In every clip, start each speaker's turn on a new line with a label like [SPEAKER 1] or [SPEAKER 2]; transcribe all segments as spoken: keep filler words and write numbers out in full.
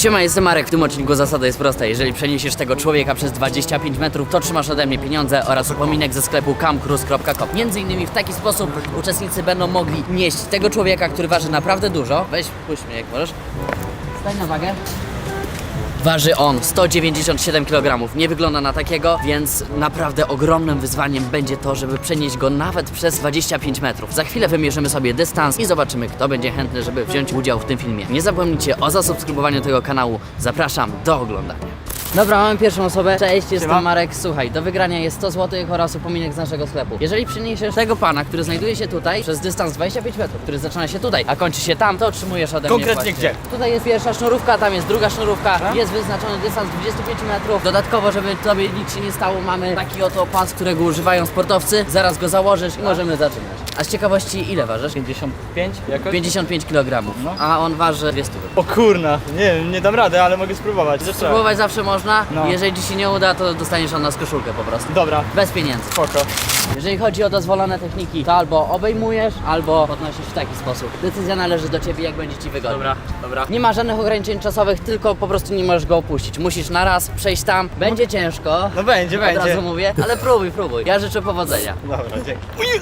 [SPEAKER 1] Siema, jestem Marek. W tym odcinku zasada jest prosta. Jeżeli przeniesiesz tego człowieka przez dwadzieścia pięć metrów, to trzymasz ode mnie pieniądze oraz upominek ze sklepu camcruise kropka com. Między innymi w taki sposób uczestnicy będą mogli nieść tego człowieka, który waży naprawdę dużo. Weź, puść mnie jak możesz. Stań na wagę. Waży on sto dziewięćdziesiąt siedem kilogramów. Nie wygląda na takiego, więc naprawdę ogromnym wyzwaniem będzie to, żeby przenieść go nawet przez dwadzieścia pięć metrów. Za chwilę wymierzymy sobie dystans i zobaczymy, kto będzie chętny, żeby wziąć udział w tym filmie. Nie zapomnijcie o zasubskrybowaniu tego kanału. Zapraszam do oglądania. Dobra, mamy pierwszą osobę. Cześć, jestem
[SPEAKER 2] Siema.
[SPEAKER 1] Marek. Słuchaj, do wygrania jest sto złotych oraz upominek z naszego sklepu. Jeżeli przeniesiesz tego pana, który znajduje się tutaj przez dystans dwadzieścia pięć metrów, który zaczyna się tutaj, a kończy się tam, to otrzymujesz ode mnie
[SPEAKER 2] Konkretnie
[SPEAKER 1] właśnie.
[SPEAKER 2] gdzie?
[SPEAKER 1] Tutaj jest pierwsza sznurówka, tam jest druga sznurówka,
[SPEAKER 2] A?
[SPEAKER 1] jest wyznaczony dystans dwadzieścia pięć metrów. Dodatkowo, żeby tobie nic się nie stało, mamy taki oto pas, którego używają sportowcy. Zaraz go założysz i możemy zaczynać. A z ciekawości ile ważysz?
[SPEAKER 2] pięćdziesiąt pięć jakoś?
[SPEAKER 1] pięćdziesiąt pięć kilogramów,
[SPEAKER 2] No.
[SPEAKER 1] a on waży dwieście.
[SPEAKER 2] O kurna, nie, nie dam rady, ale mogę spróbować.
[SPEAKER 1] Spróbować zawsze można.
[SPEAKER 2] No.
[SPEAKER 1] Jeżeli ci się nie uda, to dostaniesz od nas koszulkę po prostu.
[SPEAKER 2] Dobra,
[SPEAKER 1] Bez pieniędzy.
[SPEAKER 2] spoko.
[SPEAKER 1] Jeżeli chodzi o dozwolone techniki, to albo obejmujesz, albo podnosisz w taki sposób. Decyzja należy do ciebie, jak będzie ci wygodnie.
[SPEAKER 2] Dobra, dobra.
[SPEAKER 1] Nie ma żadnych ograniczeń czasowych, tylko po prostu nie możesz go opuścić. Musisz na raz przejść tam. Będzie ciężko.
[SPEAKER 2] No będzie,
[SPEAKER 1] Od
[SPEAKER 2] będzie.
[SPEAKER 1] razu mówię, ale próbuj, próbuj. Ja życzę powodzenia.
[SPEAKER 2] Dobra, dzięki.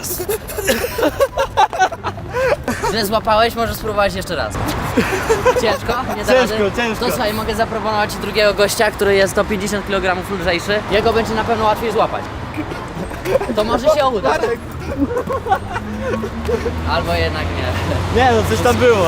[SPEAKER 1] Źle złapałeś, możesz spróbować jeszcze raz. Ciężko? Nie da
[SPEAKER 2] Ciężko,
[SPEAKER 1] rady?
[SPEAKER 2] ciężko.
[SPEAKER 1] To słuchaj, mogę zaproponować ci drugiego gościa, który jest sto pięćdziesiąt kilogramów lżejszy. Jego będzie na pewno łatwiej złapać. To może się uda. Albo jednak nie.
[SPEAKER 2] Nie no, coś tam było.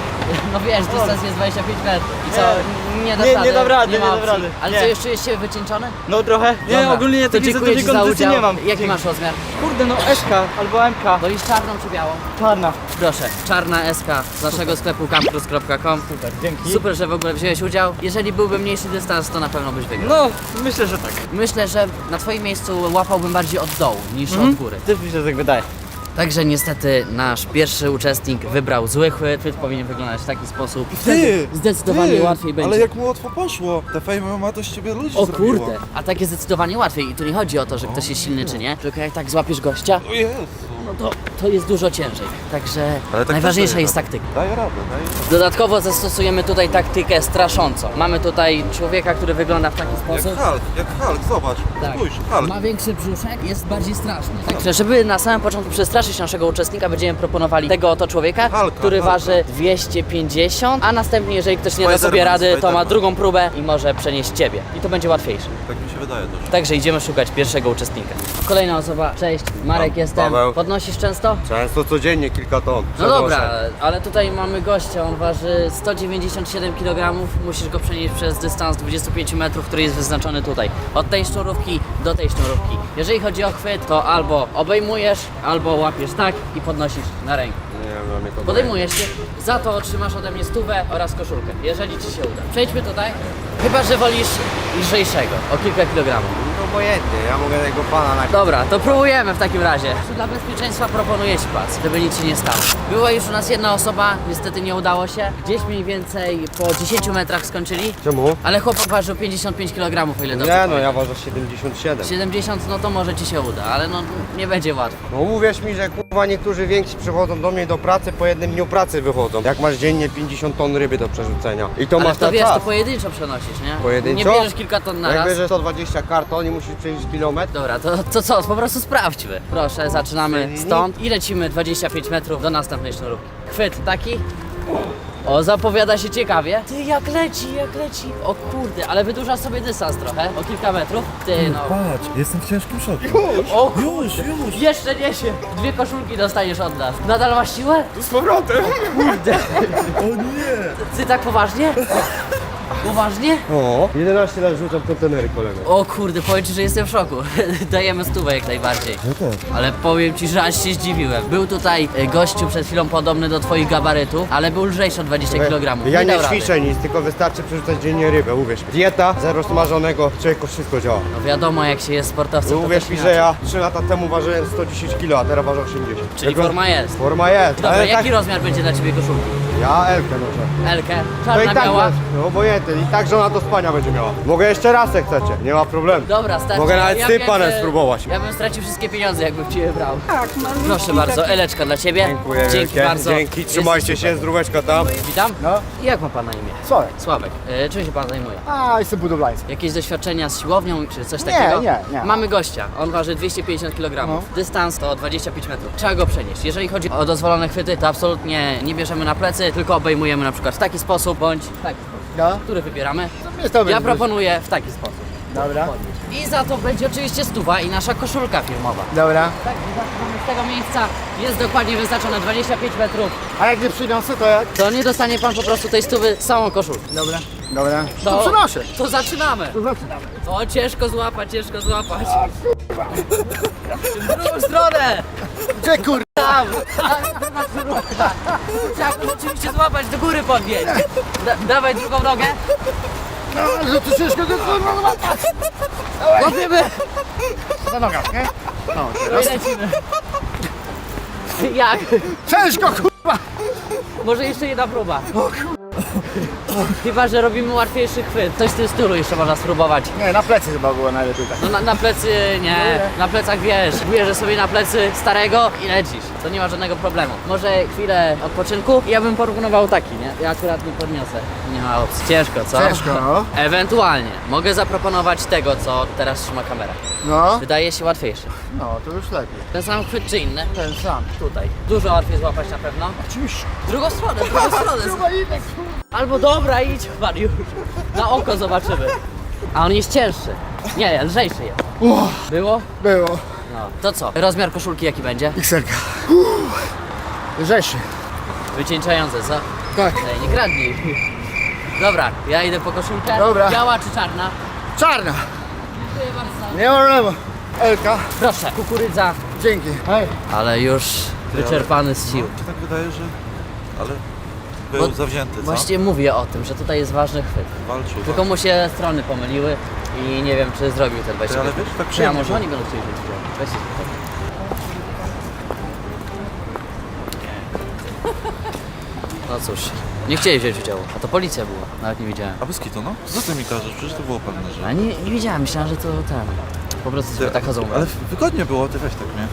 [SPEAKER 1] No wiesz, dystans jest dwadzieścia pięć metrów. I co? Nie dasz
[SPEAKER 2] Nie,
[SPEAKER 1] rady?
[SPEAKER 2] nie dam rady,
[SPEAKER 1] nie, ma
[SPEAKER 2] nie dam
[SPEAKER 1] opcji.
[SPEAKER 2] rady.
[SPEAKER 1] Ale
[SPEAKER 2] Nie.
[SPEAKER 1] co, jeszcze jest się wycieńczony?
[SPEAKER 2] No trochę. Nie,
[SPEAKER 1] Dobra,
[SPEAKER 2] ogólnie
[SPEAKER 1] to
[SPEAKER 2] takiej za
[SPEAKER 1] dziękuję
[SPEAKER 2] dużej
[SPEAKER 1] ci za
[SPEAKER 2] kondycji
[SPEAKER 1] udział.
[SPEAKER 2] nie mam.
[SPEAKER 1] Jaki
[SPEAKER 2] Dzięki.
[SPEAKER 1] masz rozmiar?
[SPEAKER 2] Kurde, no S K albo M K.
[SPEAKER 1] Wolisz czarną czy białą?
[SPEAKER 2] Czarna.
[SPEAKER 1] Proszę, czarna S K z naszego sklepu camcruise kropka com.
[SPEAKER 2] Super, dzięki.
[SPEAKER 1] Super, że w ogóle wziąłeś udział. Jeżeli byłby mniejszy dystans, to na pewno byś wygrał.
[SPEAKER 2] No, myślę, że tak.
[SPEAKER 1] Myślę, że na twoim miejscu łapałbym bardziej od dołu niż
[SPEAKER 2] Mhm.
[SPEAKER 1] od góry.
[SPEAKER 2] Też mi się tak wydaje.
[SPEAKER 1] Także niestety nasz pierwszy uczestnik wybrał zły chwyt. Chwyt powinien wyglądać w taki sposób. I wtedy zdecydowanie
[SPEAKER 3] ty,
[SPEAKER 1] łatwiej będzie.
[SPEAKER 3] Ale jak mu łatwo poszło, te Fame ma to z ciebie ludzi
[SPEAKER 1] O
[SPEAKER 3] zrobiło.
[SPEAKER 1] kurde, a takie zdecydowanie łatwiej. I tu nie chodzi o to, że ktoś jest silny czy nie, tylko jak tak złapiesz gościa,
[SPEAKER 3] O Jezu.
[SPEAKER 1] no to, to jest dużo ciężej. Także
[SPEAKER 3] Ale tak
[SPEAKER 1] najważniejsza
[SPEAKER 3] też
[SPEAKER 1] jest
[SPEAKER 3] daje
[SPEAKER 1] taktyka.
[SPEAKER 3] Daję radę, daję radę.
[SPEAKER 1] Dodatkowo zastosujemy tutaj taktykę straszącą. Mamy tutaj człowieka, który wygląda w taki
[SPEAKER 3] Jak
[SPEAKER 1] sposób.
[SPEAKER 3] Hulk, jak Hulk, zobacz.
[SPEAKER 1] Tak.
[SPEAKER 3] Spójrz, Hulk.
[SPEAKER 1] Ma większy brzuszek, jest bardziej straszny. Także żeby na samym początku przestraszyć naszego uczestnika, będziemy proponowali tego oto człowieka,
[SPEAKER 3] Hulka,
[SPEAKER 1] który
[SPEAKER 3] Hulka.
[SPEAKER 1] waży dwieście pięćdziesiąt, a następnie, jeżeli ktoś nie da sobie
[SPEAKER 3] Spiderman,
[SPEAKER 1] rady, to ma
[SPEAKER 3] Spiderman.
[SPEAKER 1] drugą próbę i może przenieść ciebie. I to będzie łatwiejsze.
[SPEAKER 3] Tak mi się wydaje też.
[SPEAKER 1] Także idziemy szukać pierwszego uczestnika. Kolejna osoba. Cześć, Marek
[SPEAKER 4] Pa-
[SPEAKER 1] jestem.
[SPEAKER 4] Paweł.
[SPEAKER 1] Podnosisz często?
[SPEAKER 4] Często codziennie kilka ton.
[SPEAKER 1] No
[SPEAKER 4] Przenoszę.
[SPEAKER 1] dobra, ale tutaj mamy gościa, on waży sto dziewięćdziesiąt siedem kilogramów, musisz go przenieść przez dystans dwadzieścia pięć metrów, który jest wyznaczony tutaj. Od tej sznurówki do tej sznurówki. Jeżeli chodzi o chwyt, to albo obejmujesz, albo łapiesz tak i podnosisz na rękę.
[SPEAKER 4] Nie wiem, dla mnie to
[SPEAKER 1] Podejmujesz się, za to otrzymasz ode mnie stówę oraz koszulkę, jeżeli ci się uda. Przejdźmy tutaj, chyba że wolisz lżejszego, o kilka kilogramów.
[SPEAKER 4] No obojętnie, ja mogę tego pana na...
[SPEAKER 1] Dobra, to próbujemy w takim razie. Dla bezpieczeństwa proponuję ci pas, żeby nic się nie stało. Była już u nas jedna osoba, niestety nie udało się. Gdzieś mniej więcej po dziesięciu metrach skończyli,
[SPEAKER 4] Czemu?
[SPEAKER 1] ale chłopak ważył pięćdziesiąt pięć kilogramów, o ile dobrze
[SPEAKER 4] Nie no,
[SPEAKER 1] pamiętam.
[SPEAKER 4] ja ważę siedemdziesiąt siedem.
[SPEAKER 1] siedemdziesiąt, no to może ci się uda, ale no nie będzie łatwo.
[SPEAKER 4] No uwierz mi, że kurwa niektórzy więksi przychodzą do mnie do pracy, po jednym dniu pracy wychodzą. Jak masz dziennie pięćdziesiąt ton ryby do przerzucenia. I to
[SPEAKER 1] Ale
[SPEAKER 4] masz
[SPEAKER 1] to
[SPEAKER 4] na
[SPEAKER 1] wiesz,
[SPEAKER 4] czas.
[SPEAKER 1] to pojedynczo przenosisz, nie?
[SPEAKER 4] Pojedynczo?
[SPEAKER 1] Nie bierzesz kilka ton na
[SPEAKER 4] Jak
[SPEAKER 1] raz.
[SPEAKER 4] bierzesz sto dwadzieścia karton i musisz przejść kilometr.
[SPEAKER 1] Dobra, to, to co? Po prostu sprawdźmy. Proszę, zaczynamy stąd i lecimy dwadzieścia pięć metrów do następnej sznurówki. Chwyt taki. O, zapowiada się ciekawie. Ty, jak leci, jak leci. O kurde, ale wydłuża sobie dystans trochę, o kilka metrów. Ty, no.
[SPEAKER 3] Patrz, jestem w ciężkim szoku.
[SPEAKER 1] O
[SPEAKER 3] Już, już.
[SPEAKER 1] Jeszcze niesie. Dwie koszulki dostaniesz od nas. Nadal masz siłę?
[SPEAKER 4] Z powrotem!
[SPEAKER 1] Kurde.
[SPEAKER 3] O nie.
[SPEAKER 1] Ty tak poważnie? Poważnie?
[SPEAKER 4] O, jedenaście lat rzucam kontenery kolego.
[SPEAKER 1] O kurde, powiem ci, że jestem w szoku. Dajemy stówę jak najbardziej.
[SPEAKER 3] Ja też.
[SPEAKER 1] Ale powiem ci, że aż się zdziwiłem. Był tutaj e, gościu przed chwilą podobny do twoich gabarytów, ale był lżejszy o dwadzieścia kilogramów.
[SPEAKER 4] Ja nie
[SPEAKER 1] dał rady.
[SPEAKER 4] ćwiczę nic, tylko wystarczy przerzucać dziennie rybę, uwierz mi. Dieta, zero smażonego, człowieku wszystko działa.
[SPEAKER 1] No wiadomo, jak się jest sportowcem, to
[SPEAKER 4] Uwierz
[SPEAKER 1] też
[SPEAKER 4] mi,
[SPEAKER 1] inaczej.
[SPEAKER 4] że ja trzy lata temu ważyłem sto dziesięć kilo, a teraz ważę osiemdziesiąt.
[SPEAKER 1] Czyli
[SPEAKER 4] Tylko-
[SPEAKER 1] forma jest.
[SPEAKER 4] Forma jest,
[SPEAKER 1] Dobra,
[SPEAKER 4] ale
[SPEAKER 1] jaki
[SPEAKER 4] tak,
[SPEAKER 1] rozmiar będzie dla ciebie koszulki?
[SPEAKER 4] ja Elkę noszę.
[SPEAKER 1] Elkę,
[SPEAKER 4] To
[SPEAKER 1] czarna,
[SPEAKER 4] i tak
[SPEAKER 1] biała?
[SPEAKER 4] masz, no obojętnie, i tak żona do spania będzie miała. Mogę jeszcze raz jak chcecie, nie ma problemu.
[SPEAKER 1] Dobra, starczy.
[SPEAKER 4] Mogę nawet z tym
[SPEAKER 1] wiem,
[SPEAKER 4] panem
[SPEAKER 1] że
[SPEAKER 4] spróbować.
[SPEAKER 1] Ja bym stracił wszystkie pieniądze, jakbym cię brał.
[SPEAKER 5] Tak, mam.
[SPEAKER 1] Proszę bardzo, Eleczka dla ciebie.
[SPEAKER 4] Dziękuję
[SPEAKER 1] Dzięki
[SPEAKER 4] wielkie.
[SPEAKER 1] bardzo.
[SPEAKER 4] Dzięki, trzymajcie
[SPEAKER 1] Jesteś
[SPEAKER 4] się, zdróweczka tam.
[SPEAKER 1] super. Witam.
[SPEAKER 6] No.
[SPEAKER 1] Jak ma pan na imię?
[SPEAKER 6] Sławek.
[SPEAKER 1] Sławek. E, czym się pan zajmuje?
[SPEAKER 6] A, jestem budowlański.
[SPEAKER 1] Jakieś doświadczenia z siłownią czy coś
[SPEAKER 6] Nie,
[SPEAKER 1] takiego?
[SPEAKER 6] nie, nie.
[SPEAKER 1] Mamy gościa, on waży dwieście pięćdziesiąt kilogramów.
[SPEAKER 6] No.
[SPEAKER 1] Dystans to dwadzieścia pięć metrów. Trzeba go przenieść. Jeżeli chodzi o dozwolone chwyty, to absolutnie nie bierzemy na plecy, tylko obejmujemy na przykład w taki sposób bądź w taki sposób.
[SPEAKER 6] No.
[SPEAKER 1] Który wybieramy?
[SPEAKER 6] Jest to
[SPEAKER 1] Ja
[SPEAKER 6] będzie-
[SPEAKER 1] proponuję w taki sposób.
[SPEAKER 6] Dobra.
[SPEAKER 1] I za to będzie oczywiście stuwa i nasza koszulka firmowa.
[SPEAKER 6] Dobra.
[SPEAKER 1] Tak, zaczynamy z tego miejsca. Jest dokładnie wyznaczone dwadzieścia pięć metrów.
[SPEAKER 6] A jak nie przyniosę, to jak?
[SPEAKER 1] To nie dostanie pan po prostu tej stówy z całą koszulką.
[SPEAKER 6] Dobra. Dobra.
[SPEAKER 1] To,
[SPEAKER 6] To przynoszę.
[SPEAKER 1] To zaczynamy.
[SPEAKER 6] To zaczynamy.
[SPEAKER 1] O, ciężko złapać, ciężko złapać. W drugą stronę!
[SPEAKER 6] Gdzie kur...
[SPEAKER 1] Tam! Trzeba go oczywiście złapać, do góry podnieść. Da, dawaj drugą nogę.
[SPEAKER 6] No, że to ciężko to kurwa złapać.
[SPEAKER 1] Łapiemy.
[SPEAKER 6] Za noga, nie? No,
[SPEAKER 1] I
[SPEAKER 6] teraz.
[SPEAKER 1] lecimy. Jak?
[SPEAKER 6] Ciężko kurwa.
[SPEAKER 1] Może jeszcze jedna próba. Chyba, że robimy łatwiejszy chwyt. Coś w tym stylu jeszcze można spróbować.
[SPEAKER 6] Nie, na plecy chyba było najlepiej tak.
[SPEAKER 1] No na, na plecy nie, na plecach wiesz, bierzesz sobie na plecy starego i lecisz, to nie ma żadnego problemu. Może chwilę odpoczynku i ja bym porównywał taki, nie? Ja akurat nie podniosę, nie ma opcji. Ciężko, co?
[SPEAKER 6] Ciężko, no.
[SPEAKER 1] Ewentualnie mogę zaproponować tego, co teraz trzyma kamera.
[SPEAKER 6] No.
[SPEAKER 1] Wydaje się łatwiejszy.
[SPEAKER 6] No, to już lepiej.
[SPEAKER 1] Ten sam chwyt czy inny?
[SPEAKER 6] Ten sam.
[SPEAKER 1] Tutaj. Dużo łatwiej złapać na pewno.
[SPEAKER 6] Oczywiście.
[SPEAKER 1] W drugą stronę, w drugą stronę.
[SPEAKER 6] Kurwa, idę,
[SPEAKER 1] Albo dobra, idź pan już. Na oko zobaczymy. A on jest cięższy. Nie, lżejszy jest.
[SPEAKER 6] kurwa.
[SPEAKER 1] Było?
[SPEAKER 6] Było.
[SPEAKER 1] No. To co? Rozmiar koszulki jaki będzie?
[SPEAKER 6] Xerka. Lżejszy.
[SPEAKER 1] Wycieńczające, co?
[SPEAKER 6] Tak.
[SPEAKER 1] Ej, nie kradnij. Dobra, ja idę po koszulkę.
[SPEAKER 6] Dobra.
[SPEAKER 1] Biała czy czarna?
[SPEAKER 6] Czarna.
[SPEAKER 1] Dziękuję bardzo.
[SPEAKER 6] Nie ma problemu. Elka.
[SPEAKER 1] Proszę, kukurydza.
[SPEAKER 6] Dzięki. Hej.
[SPEAKER 1] Ale już wyczerpany z sił.
[SPEAKER 3] Mi się tak wydaje, że... Ale... Był
[SPEAKER 1] Bo-
[SPEAKER 3] zawzięty, co?
[SPEAKER 1] Właśnie mówię o tym, że tutaj jest ważny chwyt.
[SPEAKER 3] Walczył.
[SPEAKER 1] Tylko mu się strony pomyliły i nie wiem, czy zrobił ten dwadzieścia
[SPEAKER 3] Ale
[SPEAKER 1] pięć.
[SPEAKER 3] wiesz, tak
[SPEAKER 1] Czy ja
[SPEAKER 3] przyjemnie
[SPEAKER 1] może
[SPEAKER 3] było.
[SPEAKER 1] oni będą chcieli wziąć udział. Weźcie tutaj. No cóż, nie chcieli wziąć udziału, a to policja była, nawet nie widziałem.
[SPEAKER 3] A bez kitu, no? Co ty mi każesz? Przecież to było pewne, że...
[SPEAKER 1] A nie, nie wiedziałem, myślałem, że to ten. Po prostu sobie tak chodzą.
[SPEAKER 3] Ale wygodnie było, ty weź tak, nie?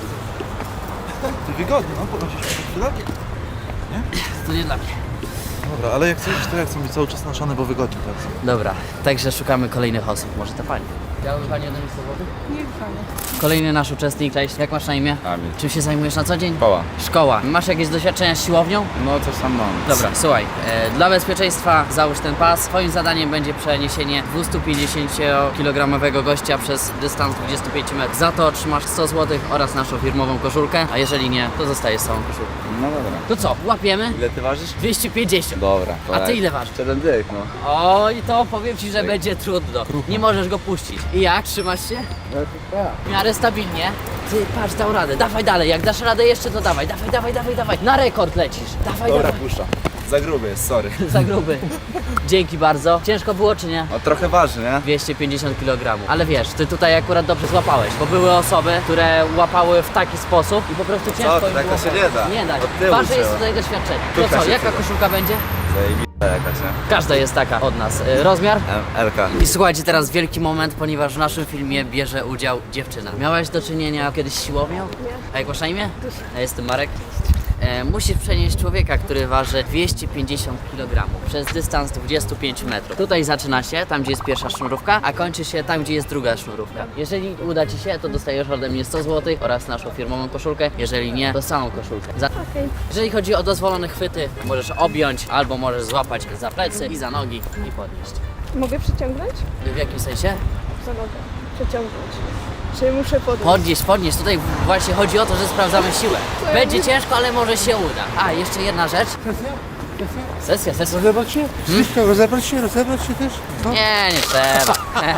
[SPEAKER 3] Ty wygodnie, no? Podnosisz się chwilę?
[SPEAKER 1] To nie dla mnie.
[SPEAKER 3] Dobra, ale jak chcesz, to ja chcę być cały czas naszany, bo wygodnie bardzo.
[SPEAKER 1] Dobra, także szukamy kolejnych osób, może ta pani. Chciałaby pani jeden list wody?
[SPEAKER 5] Nie panie.
[SPEAKER 1] Kolejny nasz uczestnik, cześć, jak masz na imię?
[SPEAKER 7] Kamil.
[SPEAKER 1] Czym się zajmujesz na co dzień?
[SPEAKER 7] Szkoła.
[SPEAKER 1] Szkoła. Masz jakieś doświadczenia z siłownią?
[SPEAKER 7] No coś tam mam.
[SPEAKER 1] Dobra, słuchaj, e, dla bezpieczeństwa załóż ten pas. Twoim zadaniem będzie przeniesienie dwieście-pięćdziesięciokilogramowego gościa przez dystans dwadzieścia pięć metrów. Za to otrzymasz sto złotych oraz naszą firmową koszulkę, a jeżeli nie, to zostajesz z całą koszulką.
[SPEAKER 7] No dobra.
[SPEAKER 1] To co, łapiemy?
[SPEAKER 7] Ile ty ważysz?
[SPEAKER 1] dwieście pięćdziesiąt.
[SPEAKER 7] Dobra. to
[SPEAKER 1] A ty
[SPEAKER 7] lec.
[SPEAKER 1] ile ważysz?
[SPEAKER 7] Siedem dych, no.
[SPEAKER 1] Oj, to powiem ci, że będzie trudno. Nie możesz go puścić. I jak? Trzymasz się? W miarę stabilnie. Ty, patrz, dał radę. Dawaj dalej. Jak dasz radę jeszcze, to dawaj. Dawaj, dawaj, dawaj, dawaj. Na rekord lecisz. Dawaj,
[SPEAKER 7] Dobra,
[SPEAKER 1] dawaj.
[SPEAKER 7] puszczam. Za gruby jest, sorry.
[SPEAKER 1] Za gruby. Dzięki bardzo. Ciężko było, czy nie?
[SPEAKER 7] No trochę waży, nie?
[SPEAKER 1] dwieście pięćdziesiąt kilogramów. Ale wiesz, ty tutaj akurat dobrze złapałeś, bo były osoby, które łapały w taki sposób i po prostu ciężko
[SPEAKER 7] ty,
[SPEAKER 1] im
[SPEAKER 7] tak
[SPEAKER 1] było.
[SPEAKER 7] to się nie da.
[SPEAKER 1] Nie da.
[SPEAKER 7] Od tyłu
[SPEAKER 1] Ważne jest
[SPEAKER 7] trzeba.
[SPEAKER 1] tutaj doświadczenie. To
[SPEAKER 7] Tutaj
[SPEAKER 1] co,
[SPEAKER 7] się
[SPEAKER 1] jaka
[SPEAKER 7] przyda.
[SPEAKER 1] koszulka będzie?
[SPEAKER 7] Zajebista jakaś, nie?
[SPEAKER 1] Każda jest taka od nas. Y, Rozmiar?
[SPEAKER 7] Em, Elka.
[SPEAKER 1] I słuchajcie, teraz wielki moment, ponieważ w naszym filmie bierze udział dziewczyna. Miałaś do czynienia kiedyś z siłownią? Nie. A jak masz na imię? Ja jestem Marek. E, musisz przenieść człowieka, który waży dwieście pięćdziesiąt kilogramów przez dystans dwadzieścia pięć metrów. Tutaj zaczyna się, tam gdzie jest pierwsza sznurówka, a kończy się tam, gdzie jest druga sznurówka. Jeżeli uda ci się, to dostajesz ode mnie sto złotych oraz naszą firmową koszulkę. Jeżeli nie, to samą koszulkę. Za...
[SPEAKER 5] Okej.
[SPEAKER 1] Jeżeli chodzi o dozwolone chwyty, możesz objąć albo możesz złapać za plecy i za nogi i podnieść.
[SPEAKER 5] Mogę przyciągnąć?
[SPEAKER 1] W jakim sensie?
[SPEAKER 5] Za nogę. Przeciągnąć. Czy muszę podnieść?
[SPEAKER 1] Podnieść, podnieść. Tutaj właśnie chodzi o to, że sprawdzamy siłę. Będzie ciężko, ale może się uda. A, jeszcze jedna rzecz. Sesja, sesja.
[SPEAKER 6] Rozebrać się? Wszystko, rozebrać się, rozebrać się też? No.
[SPEAKER 1] Nie, nie trzeba.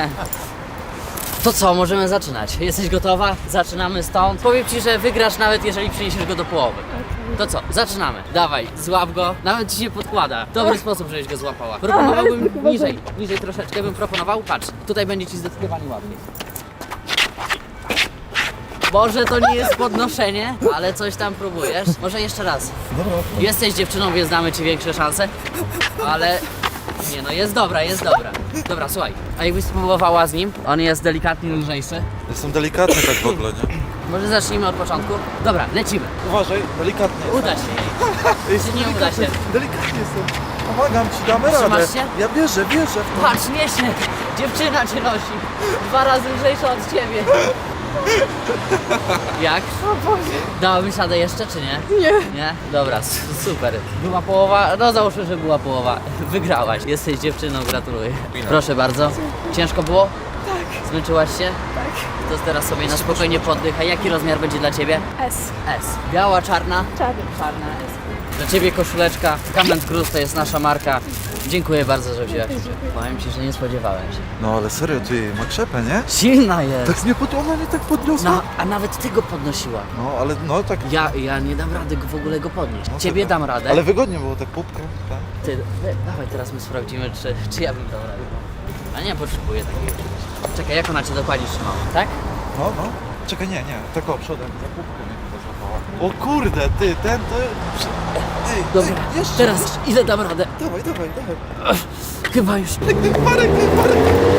[SPEAKER 1] To co, możemy zaczynać. Jesteś gotowa? Zaczynamy stąd. Powiem ci, że wygrasz nawet jeżeli przyniesiesz go do połowy. To co, zaczynamy. Dawaj, złap go. Nawet ci się podkłada. Dobry sposób, żebyś go złapała. Proponowałbym niżej, niżej troszeczkę bym proponował. Patrz, tutaj będzie ci zdecydowanie łatwiej. Może to nie jest podnoszenie, ale coś tam próbujesz. Może jeszcze raz.
[SPEAKER 3] Dobra,
[SPEAKER 1] Jesteś dziewczyną, więc damy ci większe szanse, ale Nie no, jest dobra, jest dobra. Dobra, słuchaj, a jakbyś spróbowała z nim? On jest delikatnie lżejszy.
[SPEAKER 3] Jestem delikatny tak w ogóle, nie?
[SPEAKER 1] Może zacznijmy od początku? Dobra, lecimy.
[SPEAKER 3] Uważaj, delikatnie.
[SPEAKER 1] Uda się jej. Czy nie uda się?
[SPEAKER 3] Delikatnie jestem. Pomagam ci, damy
[SPEAKER 1] Trzymasz
[SPEAKER 3] radę.
[SPEAKER 1] się?
[SPEAKER 3] Ja bierzę, bierzę.
[SPEAKER 1] Patrz, niesie! Dziewczyna cię nosi. Dwa razy lżejsza od ciebie. Jak?
[SPEAKER 5] O Boże.
[SPEAKER 1] Dałabyś radę jeszcze, czy nie?
[SPEAKER 5] Nie.
[SPEAKER 1] Nie? Dobra, s- super. Była połowa, no załóżmy, że była połowa. Wygrałaś. Jesteś dziewczyną, gratuluję. Proszę bardzo. Ciężko było?
[SPEAKER 5] Tak.
[SPEAKER 1] Zmęczyłaś się?
[SPEAKER 5] Tak.
[SPEAKER 1] To teraz sobie na spokojnie poddychaj. Jaki rozmiar będzie dla ciebie?
[SPEAKER 5] S.
[SPEAKER 1] S. Biała, czarna?
[SPEAKER 5] Czarny.
[SPEAKER 1] Czarna S. Dla ciebie koszuleczka. Comment Cruz to jest nasza marka. Dziękuję bardzo, że wzięłaś udział. Powiem ci, że nie spodziewałem się.
[SPEAKER 3] No ale serio, ty ma krzepę, nie?
[SPEAKER 1] Silna jest.
[SPEAKER 3] Tak mnie pod... ona mnie tak podniosła.
[SPEAKER 1] No, a nawet ty go podnosiła.
[SPEAKER 3] No ale no tak.
[SPEAKER 1] Ja, ja nie dam rady go w ogóle go podnieść.
[SPEAKER 3] No,
[SPEAKER 1] Ciebie
[SPEAKER 3] tak.
[SPEAKER 1] dam radę.
[SPEAKER 3] Ale wygodnie było tak pupkę. Tak.
[SPEAKER 1] Ty, wy- dawaj teraz my sprawdzimy, czy, czy ja bym dał radę. A nie potrzebuję takiego czegoś. Czekaj, jak ona cię dokładnie trzymała, tak?
[SPEAKER 3] No, no. Czekaj, nie, nie. Tak o, przodem. Za pupkę mnie chyba złapała. O kurde, ty, ten to... Ej,
[SPEAKER 1] Dobra,
[SPEAKER 3] ej, jeszcze.
[SPEAKER 1] teraz ile dam radę?
[SPEAKER 3] Dawaj, dawaj, dawaj.
[SPEAKER 1] Chyba już.
[SPEAKER 3] Marek, Marek.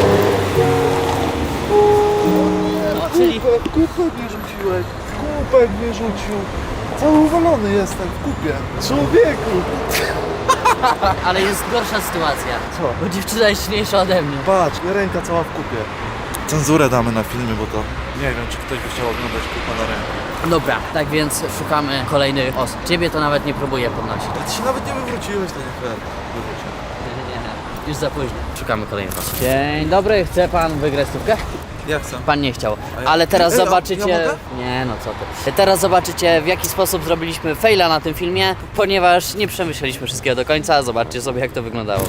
[SPEAKER 1] No, czyli
[SPEAKER 3] Kupę, kupę mnie rzuciłeś. Kupę mnie rzucił. Cały uwalony jestem w kupie. Człowieku.
[SPEAKER 1] ale jest gorsza sytuacja.
[SPEAKER 3] Co?
[SPEAKER 1] Bo dziewczyna jest silniejsza ode mnie.
[SPEAKER 3] Patrz, ręka cała w kupie. Cenzurę damy na filmie, bo to nie wiem, czy ktoś by chciał oglądać kupę na rękę.
[SPEAKER 1] Dobra, tak więc szukamy kolejnych osób. Ciebie to nawet nie próbuję podnosić.
[SPEAKER 3] Ale ty się nawet nie wywróciłeś, to nie fair. Wywróć się.
[SPEAKER 1] Nie, nie, nie. Już za późno. Szukamy kolejnych osób. Dzień dobry, chce pan wygrać stówkę?
[SPEAKER 3] Ja chcę.
[SPEAKER 1] Pan nie chciał.
[SPEAKER 3] A ja-
[SPEAKER 1] Ale teraz
[SPEAKER 3] Ej, a
[SPEAKER 1] zobaczycie...
[SPEAKER 3] ja mogę?
[SPEAKER 1] Nie, no co ty. Teraz zobaczycie, w jaki sposób zrobiliśmy faila na tym filmie, ponieważ nie przemyśleliśmy wszystkiego do końca. Zobaczcie sobie, jak to wyglądało.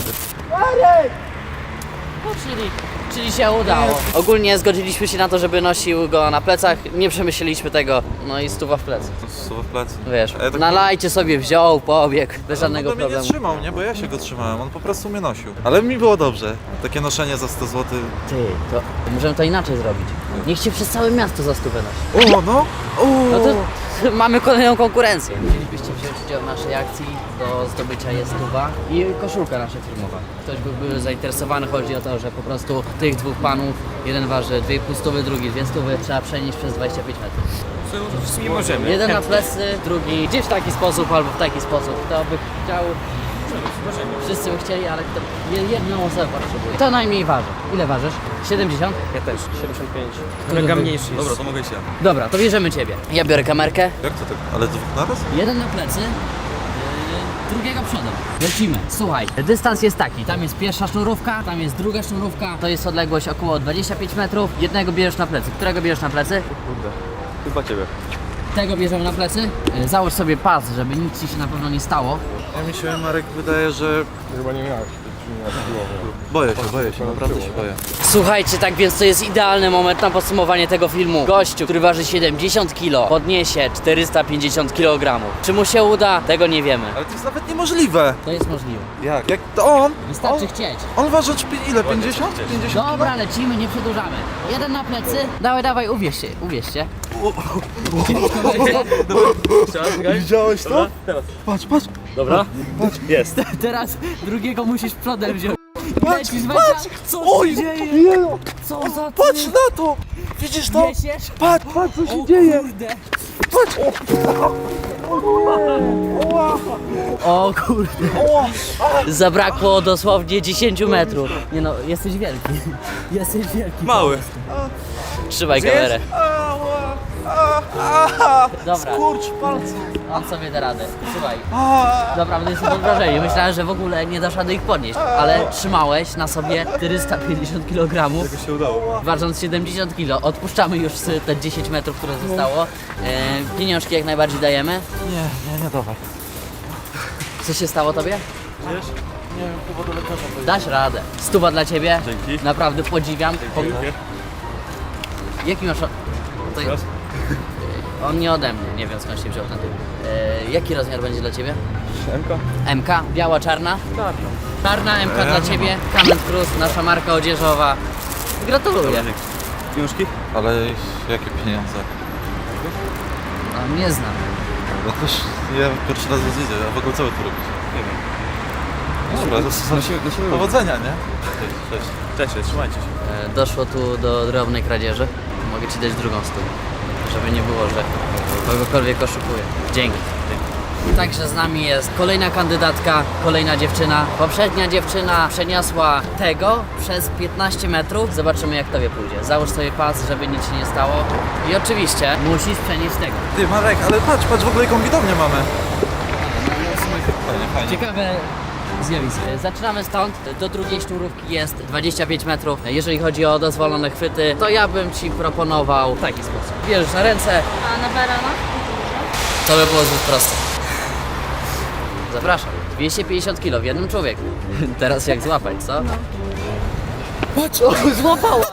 [SPEAKER 1] No, czyli, czyli się udało. Ogólnie zgodziliśmy się na to, żeby nosił go na plecach. Nie przemyśleliśmy tego. No i stuwa w plecy.
[SPEAKER 3] Słowo w plecy.
[SPEAKER 1] Wiesz,
[SPEAKER 3] A ja tak-
[SPEAKER 1] nalajcie sobie, wziął, pobiegł, bez
[SPEAKER 3] Ale
[SPEAKER 1] żadnego
[SPEAKER 3] on to mnie nie
[SPEAKER 1] problemu.
[SPEAKER 3] trzymał, nie? Bo ja się go trzymałem, on po prostu mnie nosił. Ale mi było dobrze. Takie noszenie za sto złotych.
[SPEAKER 1] Ty, to możemy to inaczej zrobić. Niech cię przez całe miasto za stówę nosi.
[SPEAKER 3] O, no! O!
[SPEAKER 1] No to mamy kolejną konkurencję. Chcielibyście wziąć udział w naszej akcji, do zdobycia jest stuwa i koszulka nasza firmowa. Ktoś by był zainteresowany, chodzi o to, że po prostu tych dwóch panów, jeden waży dwie i pół stówy, drugi dwie stówy, trzeba przenieść przez dwadzieścia pięć metrów.
[SPEAKER 2] Nie możemy.
[SPEAKER 1] Jeden na plecy, drugi gdzieś w taki sposób albo w taki sposób. Kto by chciał, wszyscy by chcieli, ale kto, jedną osobę potrzebuje. To najmniej waży. Ile ważysz? siedemdziesiąt?
[SPEAKER 2] Ja też, siedemdziesiąt pięć. Kolega mniejszy jest.
[SPEAKER 7] Dobra, to mogę się.
[SPEAKER 1] Dobra, to bierzemy ciebie. Ja biorę kamerkę.
[SPEAKER 3] Jak to tak? Ale dwóch naraz?
[SPEAKER 1] Jeden na plecy, yy, drugiego przodem. Lecimy. Słuchaj, dystans jest taki. Tam jest pierwsza sznurówka, tam jest druga sznurówka. To jest odległość około dwadzieścia pięć metrów. Jednego bierzesz na plecy. Którego bierzesz na plecy?
[SPEAKER 2] Chyba ciebie.
[SPEAKER 1] Tego bierzemy na plecy. Yy, Załóż sobie pas, żeby nic ci się na pewno nie stało.
[SPEAKER 3] Ja mi się, Marek, wydaje, że...
[SPEAKER 6] Chyba nie miałeś, nie miałeś siłowo.
[SPEAKER 3] Boję się, boję się, naprawdę się boję.
[SPEAKER 1] Słuchajcie, tak więc to jest idealny moment na podsumowanie tego filmu. Gościu, który waży siedemdziesiąt kilo, podniesie czterysta pięćdziesiąt kilogramów. Czy mu się uda? Tego nie wiemy.
[SPEAKER 3] Ale to jest nawet niemożliwe.
[SPEAKER 1] To jest możliwe.
[SPEAKER 3] Jak? Jak to on?
[SPEAKER 1] Wystarczy
[SPEAKER 3] on,
[SPEAKER 1] chcieć.
[SPEAKER 3] on waży pi- ile? pięćdziesiąt? pięćdziesiąt
[SPEAKER 1] Dobra, lecimy, nie przedłużamy. Jeden na plecy. Dawaj, dawaj, uwierz się, uwierz się.
[SPEAKER 3] Widziałeś to?
[SPEAKER 2] Teraz.
[SPEAKER 3] Patrz, patrz.
[SPEAKER 2] Dobra? Jest.
[SPEAKER 1] Teraz drugiego musisz przodem wziąć.
[SPEAKER 3] Patrz,
[SPEAKER 1] Lecisz,
[SPEAKER 3] patrz!
[SPEAKER 1] Wędzia. Co
[SPEAKER 3] Oj,
[SPEAKER 1] się dzieje?
[SPEAKER 3] Jeju!
[SPEAKER 1] Co za ty?
[SPEAKER 3] Patrz na to! Widzisz to?
[SPEAKER 1] Niesiesz?
[SPEAKER 3] Patrz, patrz co się
[SPEAKER 1] O
[SPEAKER 3] dzieje!
[SPEAKER 1] kurde.
[SPEAKER 3] Patrz!
[SPEAKER 1] O kurde. Zabrakło dosłownie dziesięć metrów. Nie no, jesteś wielki. Jesteś wielki.
[SPEAKER 2] Mały.
[SPEAKER 1] Trzymaj kamerę.
[SPEAKER 3] Ała! A, a,
[SPEAKER 1] Dobra.
[SPEAKER 3] Skurcz palce!
[SPEAKER 1] On sobie da radę. Słuchaj.
[SPEAKER 3] A,
[SPEAKER 1] Naprawdę jestem pod wrażeniem. Myślałem, że w ogóle nie dasz rady ich podnieść. Ale trzymałeś na sobie czterysta pięćdziesiąt kilogramów.
[SPEAKER 2] To się udało.
[SPEAKER 1] Ważąc siedemdziesiąt kilo. Odpuszczamy już te dziesięć metrów, które zostało. E, pieniążki jak najbardziej dajemy.
[SPEAKER 3] nie, nie, nie dawaj.
[SPEAKER 1] Co się stało tobie?
[SPEAKER 2] Wiesz?
[SPEAKER 3] Nie wiem, chyba do lekarza pojedę.
[SPEAKER 1] Dasz radę. Stuwa dla ciebie.
[SPEAKER 2] Dzięki.
[SPEAKER 1] Naprawdę podziwiam. Po...
[SPEAKER 2] Dziękuję.
[SPEAKER 1] Jaki masz... o- To...
[SPEAKER 2] Teraz?
[SPEAKER 1] On nie ode mnie, nie wiem skąd się wziął ten typ. E, jaki rozmiar będzie dla ciebie?
[SPEAKER 2] Siemka?
[SPEAKER 1] M K? Biała, czarna?
[SPEAKER 2] Czarno.
[SPEAKER 1] Czarna M K dla ciebie. Comment Cruz, nasza marka odzieżowa. Gratuluję.
[SPEAKER 2] Pieniążki?
[SPEAKER 3] Ale jakie pieniądze?
[SPEAKER 1] No, nie znam.
[SPEAKER 3] No też ja pierwszy raz was widzę, a w ogóle co wy tu robicie?
[SPEAKER 2] Nie wiem.
[SPEAKER 3] Dobra, to są powodzenia, nie? Cześć, cześć.
[SPEAKER 2] Cześć, trzymajcie się.
[SPEAKER 1] E, Doszło tu do drobnej kradzieży. Mogę ci dać drugą stówę, żeby nie było, że kogokolwiek oszukuję. Dzięki. Także z nami jest kolejna kandydatka, kolejna dziewczyna. Poprzednia dziewczyna przeniosła tego przez piętnaście metrów. Zobaczymy, jak tobie pójdzie. Załóż sobie pas, żeby nic się nie stało. I oczywiście musisz przenieść tego.
[SPEAKER 3] Ty Marek, ale patrz, patrz w ogóle jaką widownię mamy. Fajnie, fajnie.
[SPEAKER 1] Ciekawe zjawisko. Zaczynamy stąd. Do drugiej sznurówki jest dwadzieścia pięć metrów. Jeżeli chodzi o dozwolone chwyty, to ja bym ci proponował w taki sposób. Bierzesz na ręce,
[SPEAKER 5] A na barana?
[SPEAKER 1] to by było zbyt proste. Zapraszam. dwieście pięćdziesiąt kilo w jednym człowieku. Teraz jak złapać, co? No. Patrz, o, złapała!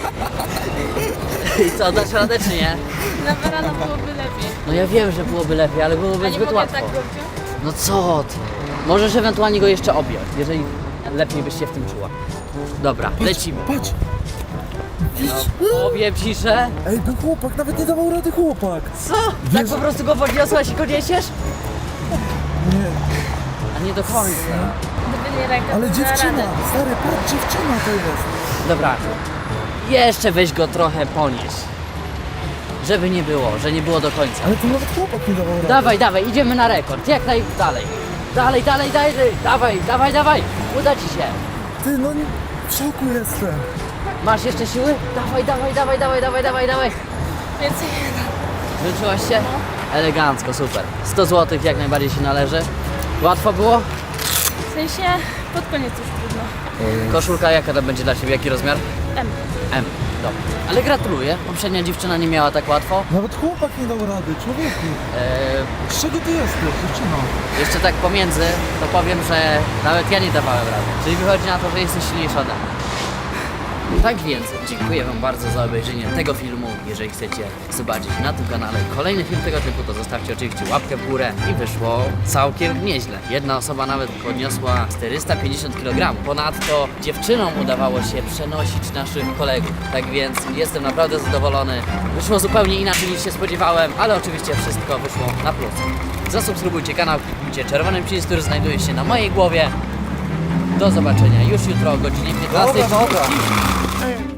[SPEAKER 1] I co, dasz radę czy nie?
[SPEAKER 5] Na barana byłoby lepiej.
[SPEAKER 1] No ja wiem, że byłoby lepiej, ale byłoby
[SPEAKER 5] A nie
[SPEAKER 1] zbyt
[SPEAKER 5] mogę
[SPEAKER 1] łatwo.
[SPEAKER 5] tak go wziąć?
[SPEAKER 1] No co ty? Możesz ewentualnie go jeszcze objąć, jeżeli lepiej byś się w tym czuła. Dobra, lecimy.
[SPEAKER 6] Patrz!
[SPEAKER 1] No, powiem ci, że...
[SPEAKER 6] Ej, no chłopak, nawet nie dawał rady chłopak!
[SPEAKER 1] Co? Tak po prostu go podniosłaś i go niesiesz?
[SPEAKER 6] Nie,
[SPEAKER 1] A nie do końca.
[SPEAKER 5] Gdyby nie ręka,
[SPEAKER 6] ale
[SPEAKER 5] to na
[SPEAKER 6] dziewczyna,
[SPEAKER 5] radę.
[SPEAKER 6] stary, patrz, dziewczyna to jest!
[SPEAKER 1] Dobra, jeszcze weź go trochę ponieść. Żeby nie było, że nie było do końca.
[SPEAKER 6] Ale to nawet chłopak nie dawał rady.
[SPEAKER 1] Dawaj, dawaj, idziemy na rekord, jak najdalej. Dalej, dalej, dalej, dawaj, dawaj, dawaj, uda ci się.
[SPEAKER 6] Ty, no nie- w szoku jestem!
[SPEAKER 1] Masz jeszcze siły? Dawaj, dawaj, dawaj, dawaj, dawaj, dawaj, dawaj.
[SPEAKER 5] Więcej
[SPEAKER 1] Wyczułaś się? Elegancko, super. sto złotych jak najbardziej się należy. Łatwo było?
[SPEAKER 5] w sensie pod koniec już trudno.
[SPEAKER 1] Koszulka jaka to będzie dla Ciebie, jaki rozmiar?
[SPEAKER 5] M.
[SPEAKER 1] M, dobra. Ale gratuluję, poprzednia dziewczyna nie miała tak łatwo.
[SPEAKER 6] Nawet chłopak nie dał rady, człowieku!
[SPEAKER 1] Eee,
[SPEAKER 6] Z czego ty jesteś, dziewczyno?
[SPEAKER 1] jeszcze tak pomiędzy, to powiem, że nawet ja nie dawałem rady. Czyli wychodzi na to, że jesteś silniejsza ode mnie. Tak więc dziękuję Wam bardzo za obejrzenie tego filmu. Jeżeli chcecie zobaczyć na tym kanale kolejny film tego typu, to zostawcie oczywiście łapkę w górę i wyszło całkiem nieźle. Jedna osoba nawet podniosła czterysta pięćdziesiąt kilogramów. Ponadto dziewczynom udawało się przenosić naszych kolegów. Tak więc jestem naprawdę zadowolony. Wyszło zupełnie inaczej niż się spodziewałem, ale oczywiście wszystko wyszło na plus. Zasubskrybujcie kanał, kliknijcie czerwony przycisk, który znajduje się na mojej głowie. Do zobaczenia już jutro o godzinie piętnastej.
[SPEAKER 3] Dobra, dobra.